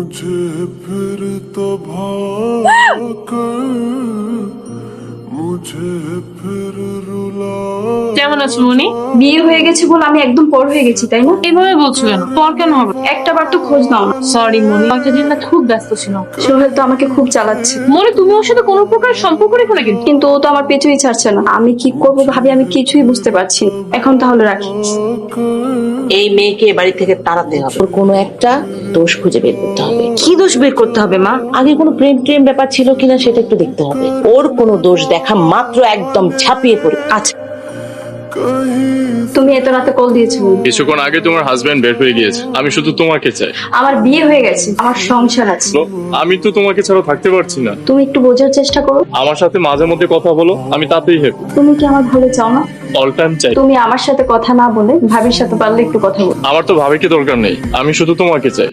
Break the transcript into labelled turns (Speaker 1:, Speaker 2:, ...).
Speaker 1: मुझे फिर तो भाकर मुझे फिर रुला
Speaker 2: কেমন আছো মনি?
Speaker 3: বিয়ে হয়ে গেছে বলে আমি একদম পর হয়ে গেছি, তাই না?
Speaker 2: এভাবে বলছো কেন? পর কেন হবে?
Speaker 3: একটা বার তো খোঁজ নাও না।
Speaker 2: সরি মনি, একটা দিন না খুব ব্যস্ত ছিল।
Speaker 3: সোহেল তো আমাকে খুব চালাচ্ছে,
Speaker 2: মনি তুমি ওর সাথে কোনো প্রকার সম্পর্ক রেখো না কিন্তু।
Speaker 3: কিন্তু ও তো আমার পেছুই ছাড়ছে না। আমি কি করবো ভাবি আমি কিছুই বুঝতে পারছি না। এখন তাহলে রাখি।
Speaker 4: এই মেয়েকে এ বাড়ি থেকে তাড়াতে হবে। ওর কোনো একটা দোষ খুঁজে বের করতে হবে।
Speaker 2: কি দোষ বের করতে হবে মা?
Speaker 4: আগে কোনো প্রেম প্রেম ব্যাপার ছিল কিনা সেটা একটু দেখতে হবে। ওর কোনো দোষ দেখা মাত্র একদম ঝাঁপিয়ে পড়ে।
Speaker 2: আচ্ছা
Speaker 3: তুমি এত রাতে কল দিয়েছো?
Speaker 5: কিছুক্ষণ আগে তোমার হাজবেন্ড বের হয়ে গিয়েছে। আমি শুধু তোমাকে চাই।
Speaker 3: আমার বিয়ে হয়ে গেছে, আমার সংসার আছে।
Speaker 5: আমি তো তোমাকে ছাড়া থাকতে পারছি না।
Speaker 3: তুমি একটু বোঝার চেষ্টা করো।
Speaker 5: আমার সাথে মাঝে মধ্যে কথা বলো, আমি তাতেই হ্যাপি।
Speaker 3: তুমি কি আমার ভালো চাও না?
Speaker 5: অল টাইম চাই।
Speaker 3: তুমি আমার সাথে কথা না বলে ভাবির সাথে পারলে একটু কথা বলো।
Speaker 5: আমার তো ভাবিকে দরকার নেই, আমি শুধু তোমাকে চাই।